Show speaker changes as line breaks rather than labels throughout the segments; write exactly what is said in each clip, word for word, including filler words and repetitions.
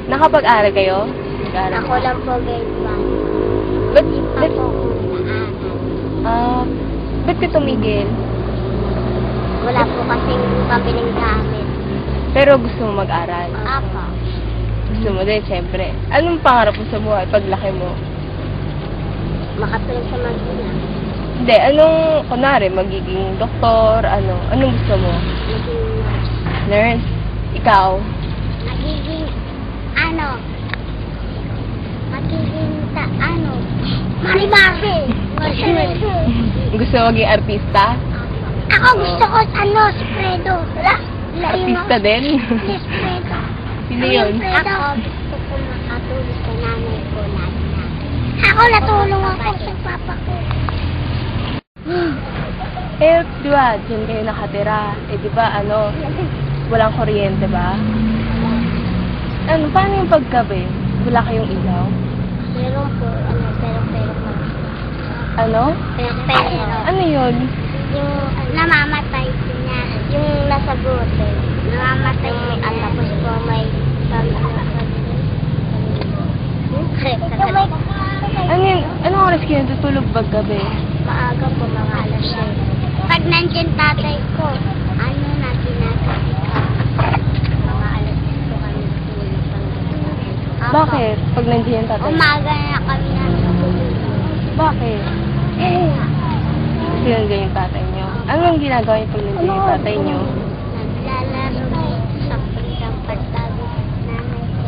Nakapag-aral kayo? Nag-aral
Ako lang po grade one.
Ba't,
Hindi pa
ba't,
po ako naaral.
ah, ba't ka tumigil?
Wala po kasing pabiling gamit.
Pero gusto mo mag-aral?
Apa.
Gusto mo din, syempre. Anong pangarap mo sa buhay paglaki mo?
Makatulong sa magulang.
Hindi, anong, kunwari, magiging doktor, ano, anong gusto mo?
Maging nurse.
Nurse? Ikaw?
Magiging, ano, magiging, ta, ano, Marimari.
Gusto mo maging artista?
Ako gusto ko, ano, si Fredo. Wala.
Artista din?
Yes, Fredo.
Sino yun?
Ako gusto ko makatulong sa nanay ko lagi na. Ako natulong ako sa papa ko.
Eh, di ba, dyan kayo nakatira. Eh, di ba, ano, walang kuryente ba? Ano, paano yung paggabi? Wala kayong ilaw?
Meron po, ano, pero pero po.
Ano?
Pero pero.
Ano yun?
Yung namamatay niya, yung nasa bote. Namamatay may ang tapos po may sabi na sabi.
Ano yun? Anong oras kayo natutulog paggabi?
Maaga po, mga alas siyam. Pag nandiyan tatay ko, ano na ginagawa ka? Mga alas ko kami tulog. Ako,
Bakit? Pag nandiyan yung tatay?
Umaga na kami natutulog.
Bakit? Kasi nandiyan yung tatay nyo. Anong ginagawa niyo pag nandiyan yung tatay nyo?
Naglalaro dito sa pagkang pagtago nanay ko.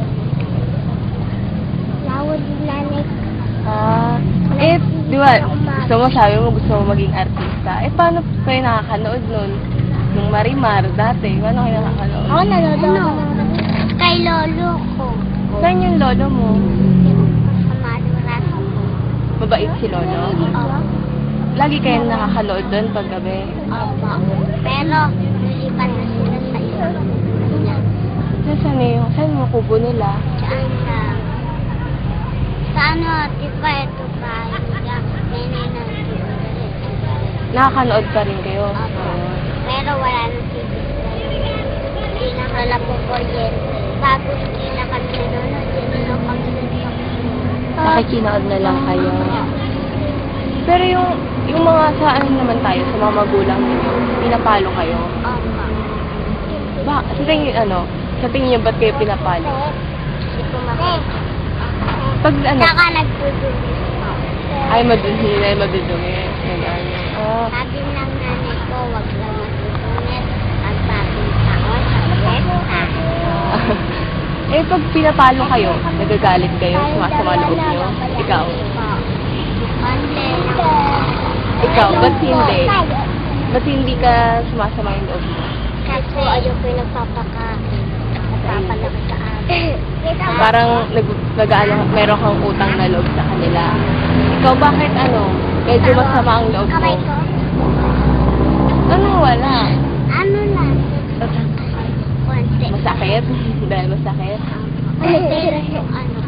Lawad yung nanay ko.
Ah, eh, di ba, gusto mo, sabi mo, gusto mo maging artista. Eh, paano kayo nakakanood nun? Nung Marimar, dati, paano kayo nakakanood?
Ako nanonood. Kay lolo ko.
Saan yung lolo mo?
Sa malurat ko.
Mabait si lolo?
Opo.
Lagi kayo nakakanood doon paggabi?
Opo. Pero, nilipan na sila sa iyo.
Saan yung, saan yung kubo nila?
Saan sa... Sa ano, di ba ito ba? Nenay na
Nakakanood pa rin kayo?
Opo. Pero wala na T V. Hindi na wala po kuryente. Bago hindi na kami nanonood, hindi na kami nanonood.
Nakikinood na lang kayo. Pero yung, yung mga sa ano naman tayo, sa mga magulang ninyo, pinapalo kayo?
Opo.
Ba, sa tingin, ano, sa tingin niyo ba't kayo pinapalo?
Hindi ko makita.
Pag ano,
Saka nagdudumi po.
ay madudumi na madudumi. Ganun. Ah,
Sabi ng nanay ko, wag lang magdudumi. Ang bagong taon, sa fiesta.
eh, pag pinapalo kayo, nagagalit kayo, sumasama loob niyo? Ikaw?
Konti.
Ikaw, ba't hindi? Ba't hindi ka sumasama yung loob mo?
Kasi ayoko yung nagpapaka, nagpapalaki sa akin.
Parang nag, nag ano, meron kang utang na loob sa kanila. Ikaw, bakit ano, medyo masama ang loob mo?
Kamay ko?
Ano, wala.
Ano lang? Konti.
Masakit? Dahil masakit?
Konti yung ano.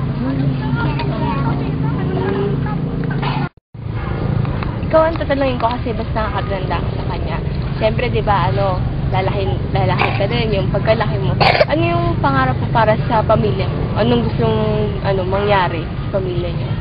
Ikaw ang tatanungin ko kasi basta nakakaganda ka sa kanya. Siyempre, di ba, ano, lalahin, lalahin ka din, yung pagkalaki mo. Ano yung pangarap mo para sa pamilya mo? Anong gustong, ano, mangyari sa pamilya niyo?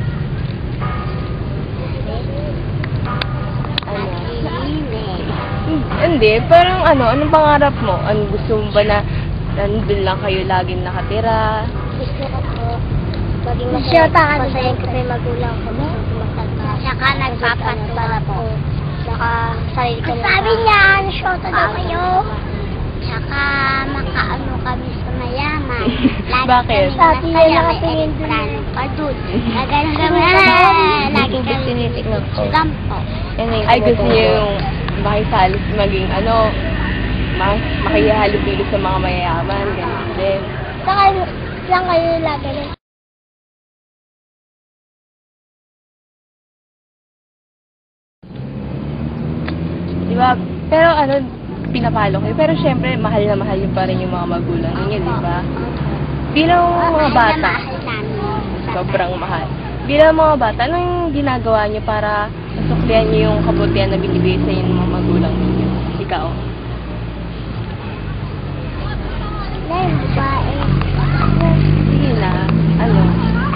Ano? Hmm, Hindi, parang ano, anong pangarap mo? Anong gusto mo ba na nandun lang kayo laging nakatira?
Gusto ko po, maging masaya, masaya ko pa yung magulang ko. Saka nagpapatula po. Saka sarili ko. Sabi niya, shota daw kayo. Saka makaano kami sa mayaman. Lagi
Bakit?
kami masaya, may elektrano pa dun. Gagano kami, lagi kami
tinitignan ko.
gampo.
Ay, gusto niyo yung makisalis maging ano, mas makihalubilo sa mga mayayaman, ganun din.
Saka lang kayo lagi rin.
Di ba? Pero ano, pinapalo kayo. Pero syempre, mahal na mahal yung pa rin yung mga magulang ninyo, di ba? Bilang mga bata, sobrang mahal. Bilang mga bata, anong ginagawa niyo para masuklian niyo yung kabutihan na binibigay sa inyo ng mga magulang ninyo? Ikaw?
Dahil babae.
Sige na.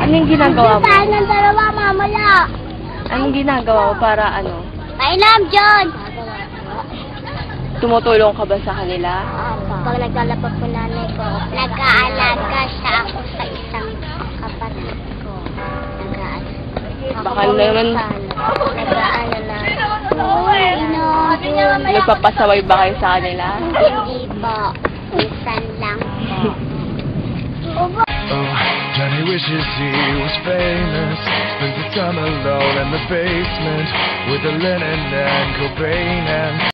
Anong ginagawa mo?
Tayo ng dalawa, mamaya.
Anong ginagawa mo para ano?
Kailam, John!
Tumutulong ka ba sa kanila?
Pag naglalapag po nanay ko, nag-aalaga siya ako sa isang kapatid ko. Nag-aalaga.
Baka naman,
Nag-aalaga na. Ino,
nagpapasaway ba kayo sa kanila?
hindi po. Minsan lang po.
Oh, Johnny wishes he was famous. Spends the time alone in the basement with the linen and Cobain and